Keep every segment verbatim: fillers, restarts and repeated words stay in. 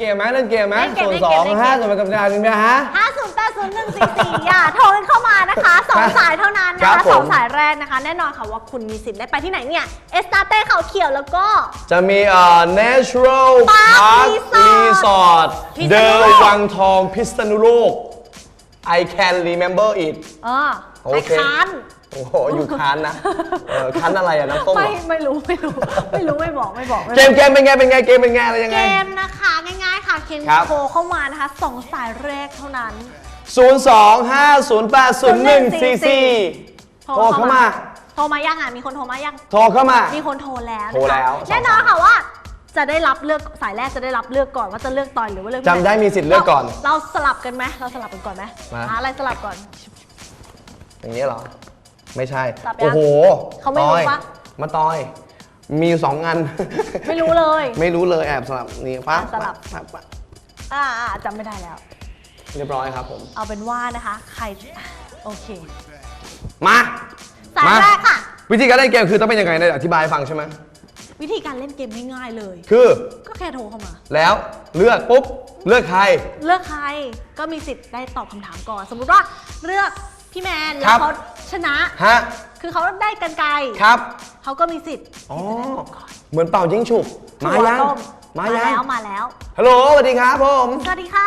เกมไหมเล่นเกมไหมศูนย์สองห้าส่วนเป็นกำลังหนึ่งนะฮะห้าศูนย์แปดศูนย์หนึ่งสี่สี่อย่าโทรเข้ามานะคะสองสายเท่านั้นนะคะสองสายแรกนะคะแน่นอนค่ะว่าคุณมีสิทธิ์ได้ไปที่ไหนเนี่ยเอสตาเต้เขาเขียวแล้วก็จะมีเอ่อ Natural Park Resort เดอวังทองพิษณุโลก I can remember it เออไอค้านโอ้โหอยู่ค้านนะค้านอะไรอะน้ำต้มไม่ไม่รู้ไม่รู้ไม่รู้ไม่บอกไม่บอกเกมเกมเป็นไงเป็นไงเกมเป็นไงอะไรยังไงเกมนะคะง่ายๆค่ะเคนโทรเข้ามานะคะสองสายแรกเท่านั้นศูนย์ สอง ห้า ศูนย์ แปด ศูนย์ หนึ่ง สี่ สี่โทรเข้ามาโทรมายังอ่ะมีคนโทรมายังโทรเข้ามามีคนโทรแล้วโทรแล้วแน่นอนค่ะว่าจะได้รับเลือกสายแรกจะได้รับเลือกก่อนว่าจะเลือกตอนหรือว่าเลือกจำได้มีสิทธิ์เลือกก่อนเราสลับกันไหมเราสลับกันก่อนไหมอะไรสลับก่อนอย่างนี้เหรอไม่ใช่โอ้โหเขาไม่รู้ปะมาตอยมีสองอันไม่รู้เลยไม่รู้เลยแอบสลับนี่ปั๊บสลับอ่าจำไม่ได้แล้วเรียบร้อยครับผมเอาเป็นว่านะคะใครโอเคมาสายแรกค่ะวิธีการเล่นเกมคือต้องเป็นยังไงเนี่ยอธิบายฟังใช่ไหมวิธีการเล่นเกมง่ายๆเลยคือก็แค่โทรเข้ามาแล้วเลือกปุ๊บเลือกใครเลือกใครก็มีสิทธิ์ได้ตอบคำถามก่อนสมมุติว่าเลือกพี่แมนแล้วเขาชนะฮะคือเขาได้กันไกลครับเขาก็มีสิทธิ์อ๋อเหมือนเป่ายิงฉุบมายังมาแล้วมาแล้วฮัลโหลสวัสดีครับผมสวัสดีค่ะ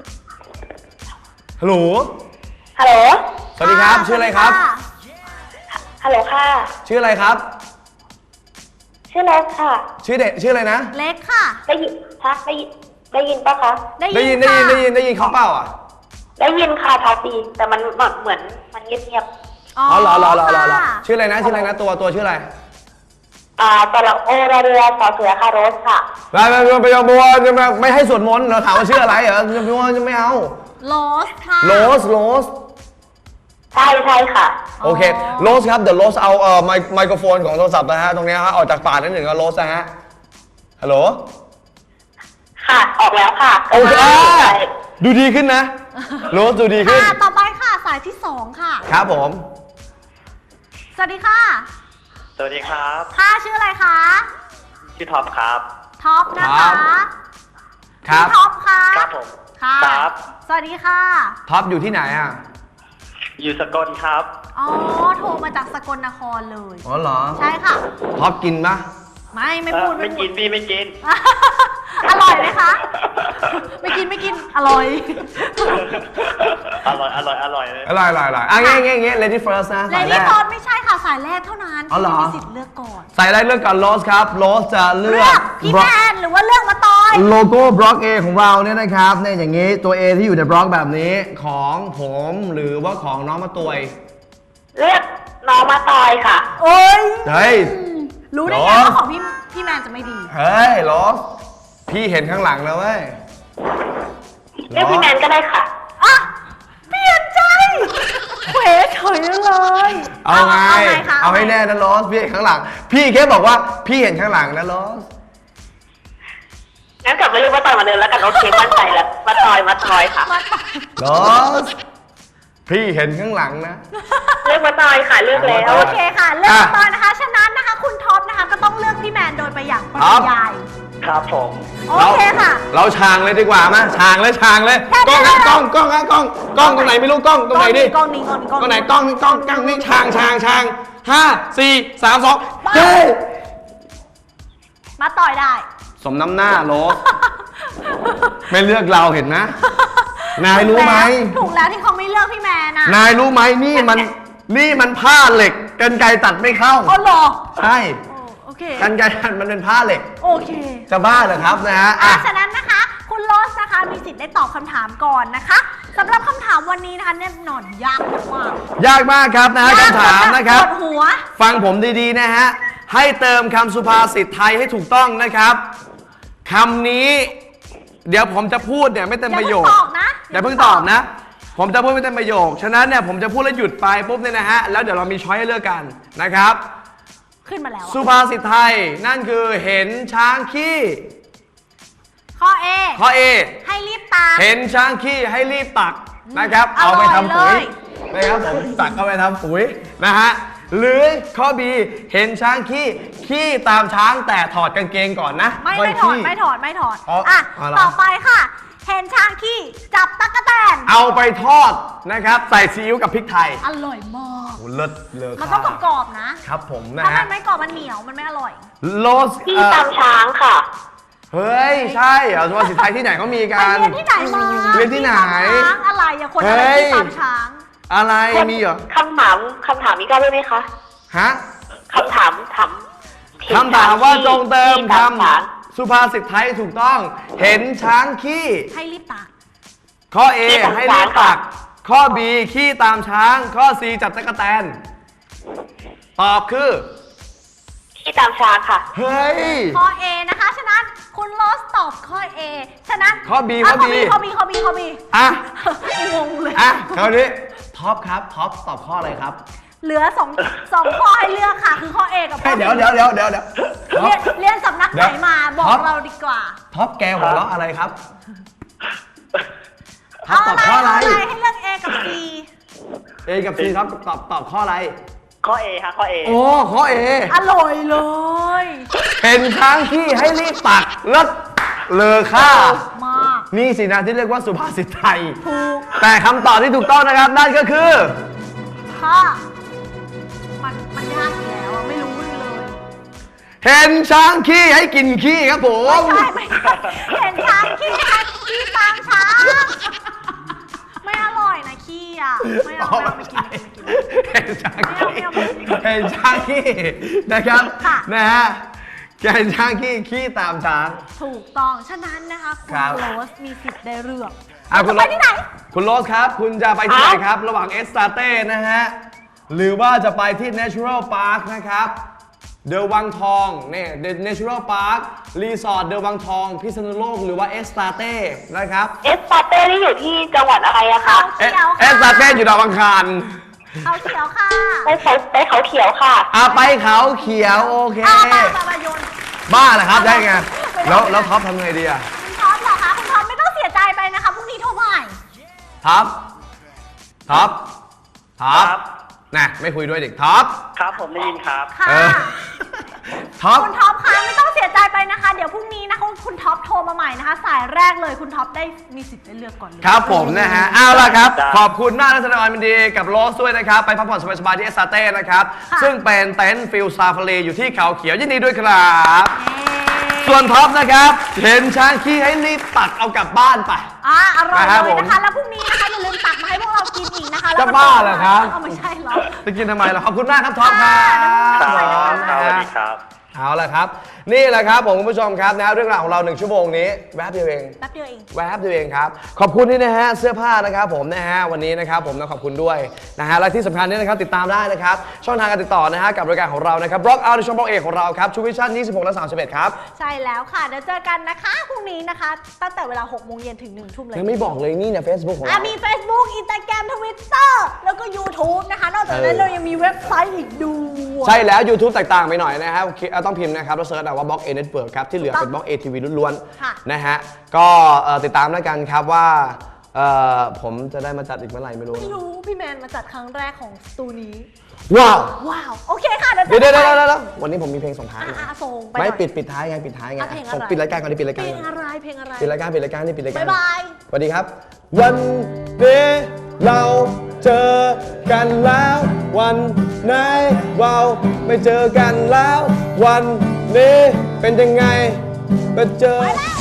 ฮัลโหลฮัลโหลสวัสดีครับชื่ออะไรครับฮัลโหลค่ะชื่ออะไรครับชื่อเล็กค่ะชื่อเด็กชื่ออะไรนะเล็กค่ะได้ยินทักได้ยินได้ยินปะคะได้ยินได้ยินได้ยินได้ยินเขาเปล่าอ่ะได้ยินค่ะทักดีแต่มันเหมือนมันเงียบๆอ๋อเหรอเหรอเหรอเหรอชื่ออะไรนะชื่ออะไรนะตัวตัวชื่ออะไรอ่าตระโอระเรือสอเสือค่ะโรสค่ะไปไปไปไปบัวจะมาไม่ให้สวดมนต์เราถามว่าชื่ออะไรเหรอจะบัวจะไม่เอาโรสค่ะโรสโรสใช่ใช่ค่ะโอเคโรสครับเดี๋ยวโรสเอาเอ่อไมโครโฟนของโทรศัพท์นะฮะตรงนี้ฮะออกจากปากนิดหนึ่งก็โรสนะฮะฮัลโหลค่ะออกแล้วค่ะโอเคดูดีขึ้นนะโรสดูดีขึ้นค่ะต่อไปค่ะสายที่สองค่ะครับผมสวัสดีค่ะสวัสดีครับค่ะชื่ออะไรคะชื่อท็อปครับท็อปนะคะครับท็อปค่ะครับผมค่ะครับสวัสดีค่ะท็อปอยู่ที่ไหนอ่ะอยู่สกลครับอ๋อโทรมาจากสกลนครเลยอ๋อเหรอใช่ค่ะท็อปกินปะไม่ไม่พูดไม่กินพี่ไม่กินอร่อยไหมคะไม่กินไม่กินอร่อยอร่อยอร่อยอร่อยเลยอร่อยอร่อยอร่อยอ่ะเงี้ยเงี้ยเงี้ย lady first นะ lady first ไม่ใช่ค่ะสายแรกเท่านั้นที่มีสิทธิ์เลือกก่อนสายแรกเลือกก่อนโรสครับโรสจะเลือกพี่แมนหรือว่าเลือกมาตอยโลโก้บล็อก A ของเราเนี่ยนะครับเนี่ยอย่างนี้ตัว A ที่อยู่ในบล็อกแบบนี้ของผมหรือว่าของน้องมาตวยเลือกน้องมาตอยค่ะโอ้ยเฮ้ยรู้ได้ไงว่าของพี่พี่แมนจะไม่ดีเฮ้ยโรสพี่เห็นข้างหลังแล้วเว้ยเรียกพี่แมนก็ได้ค่ะอ่ะเปลี่ยนใจเขวเฉยเลยเอาไงเอาให้แน่นะโรสพี่เห็นข้างหลังพี่แค่บอกว่าพี่เห็นข้างหลังนะโรสงั้นกลับมาเรียกมาตอยมาเดินแล้วกันโอเคมั่นใจแล้วมาตอยมาตอยค่ะโรสพี่เห็นข้างหลังนะเลือกมาตอยค่ะเลือกแล้วโอเคค่ะเลือกมาตอยนะคะฉะนั้นนะคะคุณท็อปนะคะก็ต้องเลือกพี่แมนโดยไปอย่างปริยายครับผมโอเคค่ะเราชางเลยดีกว่ามั้ยชางเลยชางเลยกล้องกล้องกล้องกล้องกล้องกล้องตรงไหนไม่รู้กล้องตรงไหนดิกล้องนี้กล้องนี้กล้องตรงไหนกล้องกล้องกล้องนี่ชางชางชางห้าสี่สามสองเฮ้ยมาต่อยได้สมน้ำหน้าโลไม่เลือกเราเห็นนะนายรู้ไหมถูกแล้วที่เขาไม่เลือกพี่แมนน่ะนายรู้ไหมนี่มันนี่มันผ้าเหล็กกรรไกรตัดไม่เข้าอ๋อเหรอใช่กรรไกรตัดมันเป็นผ้าเหล็กโอเคจะบ้าเหรอครับนะฮะฉะนั้นนะคะคุณโรสนะคะมีสิทธิ์ได้ตอบคำถามก่อนนะคะสำหรับคำถามวันนี้นะคะแน่นอนยากมากยากมากครับนะคำถามนะครับปวดหัวฟังผมดีๆนะฮะให้เติมคำสุภาษิตไทยให้ถูกต้องนะครับคำนี้เดี๋ยวผมจะพูดเนี่ยไม่เต็มประโยคอย่าเพิ่งตอบนะผมจะพูดไม่เต็มประโยคฉะนั้นเนี่ยผมจะพูดแล้วหยุดไปปุ๊บเนี่ยนะฮะแล้วเดี๋ยวเรามีช้อยให้เลือกกันนะครับขึ้นมาแล้วสุภาษิตไทยนั่นคือเห็นช้างขี้ข้อ A ข้อ A ให้รีบตักเห็นช้างขี้ให้รีบตักนะครับเอาไปทำปุ๋ยนะครับผมตักเอาไปทำปุ๋ยนะฮะหรือข้อ B เห็นช้างขี้ขี้ตามช้างแต่ถอดกางเกงก่อนนะไม่ค่ยไม่ถอดขี้ไม่ถอดไม่ถอดอ๋ออ่ะอ๋อเหรอต่อไปค่ะ เห็นช้างขี้จับตั๊กแตนเอาไปทอดนะครับ ใส่ซีอิ๊วกับพริกไทยอร่อยมากโอ้เลิศเลอมันค่าต้องกรอบๆนะครับผมนะถ้ามัฮะนไม่กรอบมันเหนียวมันไม่อร่อยโลสที่เอ่อตามช้างค่ะเฮ้ย ใช่เหรอสุภาษิตไทยที่ไหนเขามีไปกันเรียนที่ไหนมาเรียนที่ไหนตามช้างอะไรอะคนอะไรเฮ้ยที่ตามช้างอะไรมีเหรอคำถามคำถามนี้ก็ได้ไหมคะฮะคำถามถามคำถามว่าจงเติมคที่ตามช้างำสุภาษิตไทยถูกต้อง เห็นช้างขี้ให้รีบตักข้อ A ให้รีบตัก ข้อ B ขี้ตามช้าง ข้อ C จับตะกแตน ตอบคือที่ตามช้างค่ะเฮ้ยข้อ A นะคะ ฉะนั้นคุณโรสตอบข้อ A ฉะนั้นข้อ B ะข้อ B ข้อ B ข้อ B ข้อ B อ่ะงงเลยอ่ะคราวนี้ท็อปครับ ท็อปตอบข้ออะไรครับเหลือสองสองข้อให้เลือกค่ะ คือข้อ A กับข้อ B เดี๋ยวเดี๋ยวเดี๋ยวเดี๋ยวเดี๋ยวท็อเรียปนเรียนสำนักไหนมาบอกท็อปเราดีกว่าท็อปแกหัวเราะอะไรครับ ท็อเอาปตอบอะไรข้ออะไรเอาอะไรให้เลือก A กับ C A กับ C ท็อปตอบตอบข้ออะไรข้อ A ฮะข้อ A โอ้ข้อ A อร่อยเลยเป็นช้างขี้ให้รีบตักเลิศเลอค่ามากนี่สินะที่เรียกว่าสุภาษิตไทยถูกแต่คำตอบที่ถูกต้องนะครับ นั่นก็คือค่ะมันมันยากอยู่แล้วอะไม่รู้เลยเห็นช้างขี้ให้กินขี้ครับผไม่มใช่ไม่ใช่เห็นช้างขี้ช้างขี้ตามช้างไม่อร่อยนะขี้อ่ะไม่เอาไม่เอาไม่กินไม่กินไม่กินเห็นช้างขี้ไม่เอาไม่เอาไม่เอาเห็นช้างขี้นะครับค่ะนะฮะเห็นช้างขี้ขี้ตามช้างถูกต้องฉะนั้นนะคะคุณครับโรสมีสิทธิ์ได้เลือกอ่ะคุณจะไปที่ไหนคุณโรสครับ คุณจะไปที่ไหนครับ ระหว่างเอสตาเต้นะฮะ หรือว่าจะไปที่ Natural Park นะครับ เดอะวังทองเนี่ย The Natural Park รีสอร์ทเดอะวังทอง พิษณุโลกหรือว่าเอสตาเต้นะครับเอสปาเต้นี่อยู่ที่จังหวัดอะไรอะคะเขียวค่ะเอสตาเต้อยู่ดาวอังคารเอาเขียวค่ะไปเขาไปเขาเขียวค่ะอ่ะไปเขาเขียวโอเคเอามามามาโยนบ้าเหรอครับได้ไง แล้วแล้วท็อปทำไงดีอะคุณท็อปเหรอคะคุณท็อปไม่ต้องเสียใจไปนะคะพรุ่งนี้โทรใหม่ท็อปท็อปท็อปครับน่ะไม่คุยด้วยเด็กท็อปครับผมได้ยินครับค่ะเออ ท็อปคุณท็อปคะไม่ต้องเสียใจไปนะคะ เดี๋ยวพรุ่งนี้นะคะคุณท็อปโทรมาใหม่นะคะ สายแรกเลยคุณท็อปได้มีสิทธิ์ได้เลือกก่อนเลยครับผมนะฮะ เอาล่ะครับได้ขอบคุณมากนะแสดงความยินดีกับโรสด้วยนะครับ ไปพักผ่อนสบายๆที่เอสตาเต้นะครับะซึ่งเป็นเต็นท์ฟิลซาฟารีอยู่ที่เขาเขียวยินดีด้วยครับเย้ส่วนท็อปนะครับ เห็นช้างขี้ให้รีบตักเอากลับบ้านไปอ่ะอร่อยนะครับเลยนะผคะมแล้วพรุ่งนี้นะคะอย่าลืมตักมาให้พวกเรากินอีกนะคะจะบ้าเหรอครับเอาไม่ใช่เหรอจะกินทำไมล่ะขอบคุณมากครับท็อปครับครับผมครับนะสวัสฮะดีครับเอาละครับ นี่แหละครับผมคุณผู้ชมครับนะเรื่องราวของเราหนึ่งชั่วโมงนี้แวบเดียวเองแป๊บเดียวเองแวบเดียวเองครับ ขอบคุณที่นะฮะเสื้อผ้านะครับผมนะฮะวันนี้นะครับผมต้องขอบคุณด้วยนะฮะและที่สำคัญเนี่ยนะครับติดตามได้นะครับช่องทางการติดต่อนะฮะกับรายการของเรานะครับบล็อกเอาในช่องบล็อกเอกของเราครับชูวิชั่นยี่สิบหกและสามสิบเอ็ดครับใช่แล้วค่ะ เดี๋ยวเจอกันนะคะพรุ่งนี้นะคะ ตั้งแต่เวลาหกโมงเย็นถึงหนึ่งทุ่มเลยยังไม่บอกเลยนี่เนี่ยเฟซบุ๊กของอ่ะเรามี Facebook Instagram Twitter แล้วก็ YouTube นะคะ นอกจากนั้นเออเรายังมีเว็บไซต์อีกด้วยใช่แล้ว YouTube แตกต่างไปหน่อยนะฮะคิดต้องพิมพ์นะครับแล้วเซิร์ชเอาว่าบล็อกเอเน็ตเวิร์กครับที่เหลือเป็นบล็อกเอทีวีล้วนค่ะๆนะฮะก็เอ่อติดตามแล้วกันครับว่าเอ่อผมจะได้มาจัดอีกเมื่อไหร่ไม่รู้ไม่นะรู้พี่แมนมาจัดครั้งแรกของสตูนี้ว้าวว้าว โอเคค่ะ เดี๋ยวเดี๋ยวเดี๋ยวเจอเดี๋ยวกันเดี๋ยววันนี้ผมมีเพลงส่งท้ายอ่ะนะอ่ะส่งไปไม่หน่อยปิดปิดท้ายไงปิดท้ายไงอ่ะเพลงอะไรส่งปิดรายการก่อนดิปิดรายเพการลก่งอนอะไรเพลงอะไรปิดรายการปิดรายการนี่ปิดรายการบ๊ายบายสวัสดีครับ วันนี้เราเจอกันแล้ว วันไหนเราไม่เจอกันแล้ว วันนี้เป็นยังไงมาเจอ